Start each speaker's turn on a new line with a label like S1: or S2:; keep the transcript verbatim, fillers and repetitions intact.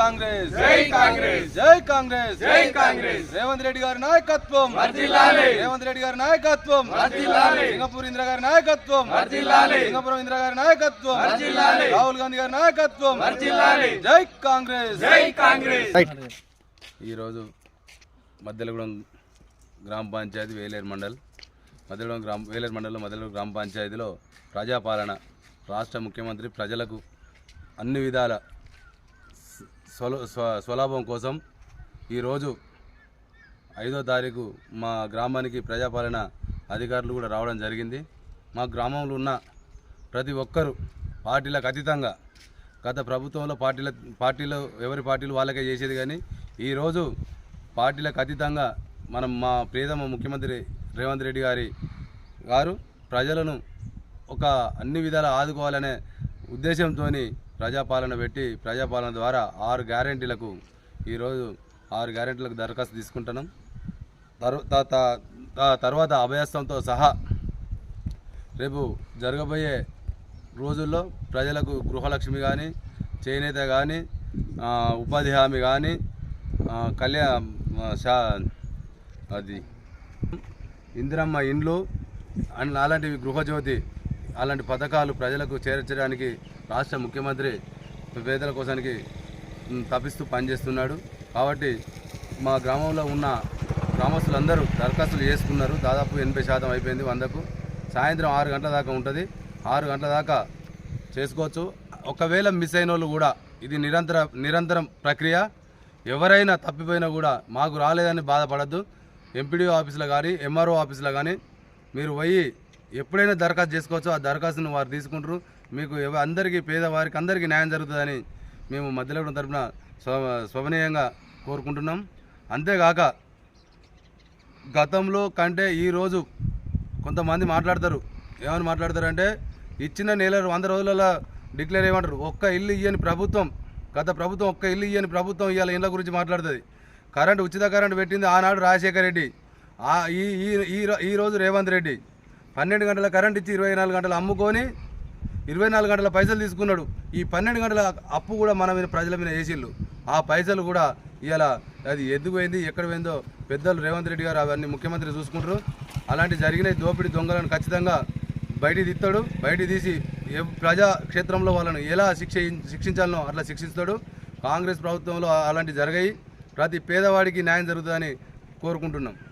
S1: కాంగ్రెస్
S2: జై కాంగ్రెస్
S1: జై కాంగ్రెస్
S2: జై కాంగ్రెస్
S1: రేవంత్ రెడ్డి గారి నాయకత్వం
S2: వర్ధిల్లాలి
S1: రేవంత్ రెడ్డి గారి నాయకత్వం
S2: వర్ధిల్లాలి
S1: సింగపూర్ ఇందిరా గారి నాయకత్వం
S2: వర్ధిల్లాలి
S1: సింగపురం ఇందిరా గారి నాయకత్వం
S2: వర్ధిల్లాలి
S1: రాహుల్ గాంధీ గారి నాయకత్వం
S2: వర్ధిల్లాలి
S1: జై కాంగ్రెస్
S2: జై కాంగ్రెస్
S3: ఈరోజు మద్దెలగూడెం గ్రామ పంచాయతీ వేలేరు మండల్ మద్దెలగూడెం గ్రామ వేలేరు మండలంలో మద్దెలగూడెం గ్రామ పంచాయతీలో ప్రజాపాలన రాష్ట్ర ముఖ్యమంత్రి ప్రజలకు అన్ని విధాల స్వల స్వలాభం కోసం ఈరోజు ఐదో తారీఖు మా గ్రామానికి ప్రజాపాలన అధికారులు కూడా రావడం జరిగింది. మా గ్రామంలో ఉన్న ప్రతి ఒక్కరూ పార్టీలకు అతీతంగా గత ప్రభుత్వంలో పార్టీల పార్టీలో ఎవరి పార్టీలు వాళ్ళకే చేసేది, కానీ ఈరోజు పార్టీలకు అతీతంగా మనం మా ప్రియతమ ముఖ్యమంత్రి రేవంత్ రెడ్డి గారి గారు ప్రజలను ఒక అన్ని విధాలా ఆదుకోవాలనే ఉద్దేశంతో ప్రజాపాలన పెట్టి ప్రజాపాలన ద్వారా ఆరు గ్యారెంటీలకు ఈరోజు ఆరు గ్యారెంటీలకు దరఖాస్తు తీసుకుంటున్నాం. తర్వాత అభయస్థంతో సహా రేపు జరగబోయే రోజుల్లో ప్రజలకు గృహలక్ష్మి కానీ, చేనేత కానీ, ఉపాధి హామీ కానీ, కళ్యాణ అది ఇందిరమ్మ ఇండ్లు అండ్ అలాంటివి, గృహజ్యోతి అలాంటి పథకాలు ప్రజలకు చేర్చడానికి రాష్ట్ర ముఖ్యమంత్రి పేదల కోసానికి తప్పిస్తూ పనిచేస్తున్నాడు. కాబట్టి మా గ్రామంలో ఉన్న గ్రామస్తులందరూ దరఖాస్తులు చేసుకున్నారు. దాదాపు ఎనభై శాతం అయిపోయింది. వందకు సాయంత్రం ఆరు గంటల దాకా ఉంటుంది. ఆరు గంటల దాకా చేసుకోవచ్చు. ఒకవేళ మిస్ అయిన వాళ్ళు కూడా ఇది నిరంతర నిరంతరం ప్రక్రియ. ఎవరైనా తప్పిపోయినా కూడా మాకు రాలేదని బాధపడద్దు. ఎంపీడీఓ ఆఫీసులో కానీ, ఎంఆర్ఓ ఆఫీసులో కానీ మీరు పోయి ఎప్పుడైనా దరఖాస్తు చేసుకోవచ్చు. ఆ దరఖాస్తును వారు తీసుకుంటారు. మీకు అందరికీ, పేదవారికి అందరికీ న్యాయం జరుగుతుందని మేము మధ్యలో తరఫున స్వభనీయంగా కోరుకుంటున్నాం. అంతేగాక గతంలో కంటే ఈరోజు కొంతమంది మాట్లాడతారు. ఏమని మాట్లాడతారంటే, ఇచ్చిన నెల వంద రోజులలో డిక్లేర్ చేయమంటారు. ఒక్క ఇల్లు ఇయ్యని ప్రభుత్వం, గత ప్రభుత్వం ఒక్క ఇల్లు ఇయ్యని ప్రభుత్వం ఇవాళ ఇళ్ళ గురించి మాట్లాడుతుంది. కరెంటు, ఉచిత కరెంటు పెట్టింది ఆనాడు రాజశేఖర రెడ్డి. ఈ ఈరోజు రేవంత్ రెడ్డి పన్నెండు గంటల కరెంట్ ఇచ్చి ఇరవై నాలుగు గంటలు అమ్ముకొని ఇరవై నాలుగు గంటల పైసలు తీసుకున్నాడు. ఈ పన్నెండు గంటల అప్పు కూడా మన మీద ప్రజల మీద వేసిళ్ళు. ఆ పైసలు కూడా ఇవాళ అది ఎద్దుపోయింది, ఎక్కడ పోయిందో పెద్దలు రేవంత్ రెడ్డి గారు అవన్నీ ముఖ్యమంత్రి చూసుకుంటారు. అలాంటి జరిగిన దోపిడీ దొంగలను ఖచ్చితంగా బయటికి తీస్తాడు. బయటికి తీసి ప్రజా క్షేత్రంలో వాళ్ళను ఎలా శిక్ష శిక్షించాలనో అట్లా శిక్షిస్తాడు. కాంగ్రెస్ ప్రభుత్వంలో అలాంటి జరిగాయి. ప్రతి పేదవాడికి న్యాయం జరుగుతుందని కోరుకుంటున్నాం.